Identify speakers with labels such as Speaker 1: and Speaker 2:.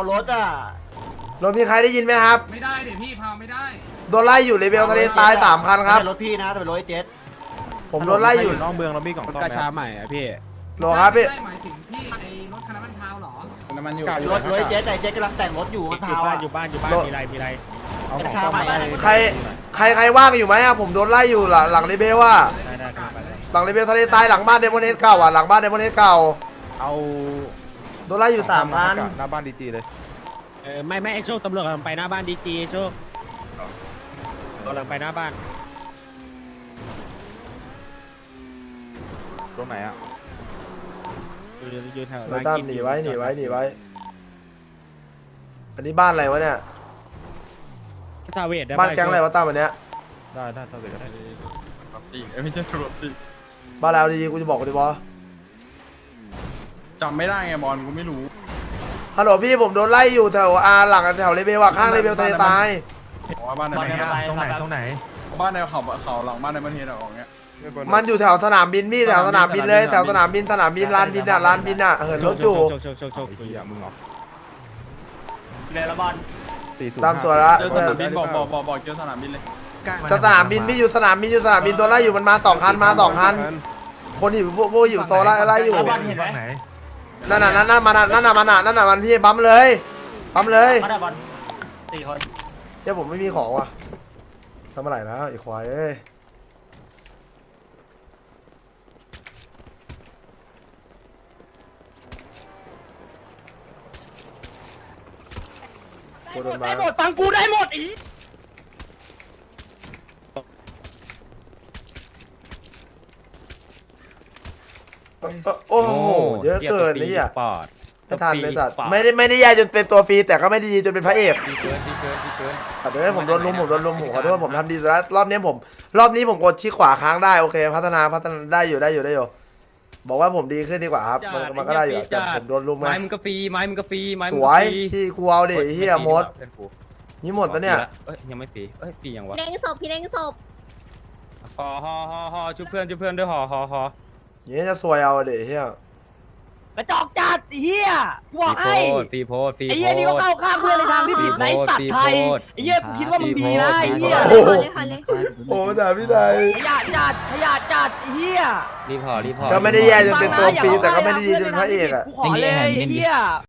Speaker 1: รถอ่ะ
Speaker 2: รถมีใครได้ยินไหมครับ
Speaker 3: ไม่ได้เดี๋ยวพี่พาไม่ได้
Speaker 2: โดนไล่อยู่เลเวลทะเลทราย3 คันครับ
Speaker 1: ไม่ใช่รถพี่นะแต่เป็นรถไอ้เจ็ด
Speaker 2: ผมโดนไล่อยู่
Speaker 4: นอกเมืองเรามีกล่อง
Speaker 5: รถ
Speaker 4: ซ่อม
Speaker 5: กระ
Speaker 4: ไหม
Speaker 5: ชาใหม่อะพี่
Speaker 2: โหลครับพี่
Speaker 3: ไม่ได้หมายถึงพี่ไอ้รถคันนั้นมันพาวเหรอ
Speaker 4: น้ำมันอยู่
Speaker 1: รถไอ้เจ็ดแต่ไอ้เจ็ดกำลังแต่งรถอยู่มันพาวอ่ะ
Speaker 4: อยู่บ้านมีไรเอาของ
Speaker 1: ชาใหม่
Speaker 2: ใครว่างอยู่ไหมอะผมโดนไล่อยู่หลังเลเวลว่า
Speaker 4: ได้ไป
Speaker 2: หลังเลเวลทะเลทรายหลังบ้านเดมอนเฮดเก่าอ่ะหลังบ้านเดมอนเฮดเก่า
Speaker 4: เอา
Speaker 2: โดนไล่อยู่3 คัน
Speaker 4: หน้าบ้านดีจีเลย
Speaker 6: ไม่ไอ้โชคตำรวจกำลังไปหน้าบ้านดีจีโชคกำลังไปหน้าบ้าน
Speaker 4: ตรงไหนอ่ะ
Speaker 6: อยู่แถว
Speaker 2: ไล่ตามหนีไว้อันนี้บ้านอะไรวะเนี่ย
Speaker 6: ซาเวด
Speaker 2: บ้านแก๊งอะไรวะตามอันเนี้ย
Speaker 4: ได้ถ้าเกิดก็ได้
Speaker 5: รถตีไม่ใช่รถตี
Speaker 2: บ้านแล้วดีกูจะบอกกูดิบอส
Speaker 5: จำไม่ได้ไงบอลกูไม่รู้
Speaker 2: ฮัลโหลพี่ผมโดนไล่อยู่แถวหลังแถวเลเวลว่าข้างเลเวลทะเลทราย
Speaker 5: ว่าบ้านไหน
Speaker 4: ตรงไหน
Speaker 5: บ้านในเขาหลังบ้านในประเทศออกเงี้ย
Speaker 2: มันอยู่แถวสนามบินพี่แถวสนามบินเลยแถวสนามบินลานบินอ่ะเหินรถอยู่
Speaker 6: โชค
Speaker 4: ไอ้เหี้ยมึงเหรอ
Speaker 1: เรลบอล
Speaker 2: ตามตัวละ
Speaker 5: เจอสนามบินบอกเจอสนามบินเลย
Speaker 2: สนามบินพี่อยู่สนามบินตัวไล่อยู่มันมา2 คันคนอยู่พวกอยู่โซล่าไล่อยู่
Speaker 1: บอลเห็นไหม
Speaker 2: นั่นน่ะมันพี่บั๊มเลย
Speaker 1: มาได้บอล4 คน
Speaker 2: เดี๋ยวผมไม่มีของว่ะสมัยไหนแล้วไอ้ควายเอ้ยกูโดนมา
Speaker 6: ได้หมดฟังกูได้หมดอี
Speaker 2: โอ้โหเยอะเกินนี่อ่ะ
Speaker 6: ปอด
Speaker 2: ไม่ทันเลยสัตว์ไม่ได้แย่จนเป็นตัวฟรีแต่ก็ไม่ได้ดีจนเป็นพระเอก
Speaker 6: ดีเกิน
Speaker 2: สัตว์เอ้ยผมโดนลุมผมขอโทษผมทำดีสุดแล้วรอบนี้ผมกดชี้ขวาค้างได้โอเคพัฒนาได้อยู่บอกว่าผมดีขึ้นดีกว่าครับมันก็ได้อยู่แต่ผมโดนลุมไง
Speaker 6: ไม้มึงก็ฟรีไม้มึงก็ฟรีไม้
Speaker 2: สวยที่กูเอาดิเฮียมดนี่หมดแล้วเนี่ย
Speaker 6: เอ้ยยังไม่ฟรีเอ้ยฟรียังวะ
Speaker 7: พี่เล้งศพพี่เล้งศพ
Speaker 6: ฮอชุบเพื่อนด้วยฮอ
Speaker 2: อย่างนี้จะซวยเอาดิเฮีย
Speaker 1: กระจอกจัดเฮียกูบอกให้
Speaker 6: ฟรีโพส
Speaker 1: ไอ้เหี้ยนี่ก็เข้าข้างเพื่อนในทางที่ผิดในสัตว์ไทยไอ้เหี้ยกูคิดว่ามึงดีนะไอ้เหี้ย
Speaker 7: เลยค่ะเลย
Speaker 2: โอ้ด่าพี่ได
Speaker 1: ขยะจัดไอ้เหี้ย
Speaker 6: รีพอ
Speaker 2: ก็ไม่ได้แย่จนเป็นตัวฟรีแต่ก็ไม่ได้ดีจนเป็นพระเอกอ่ะ
Speaker 1: กูขอเลยไอ้เหี้ย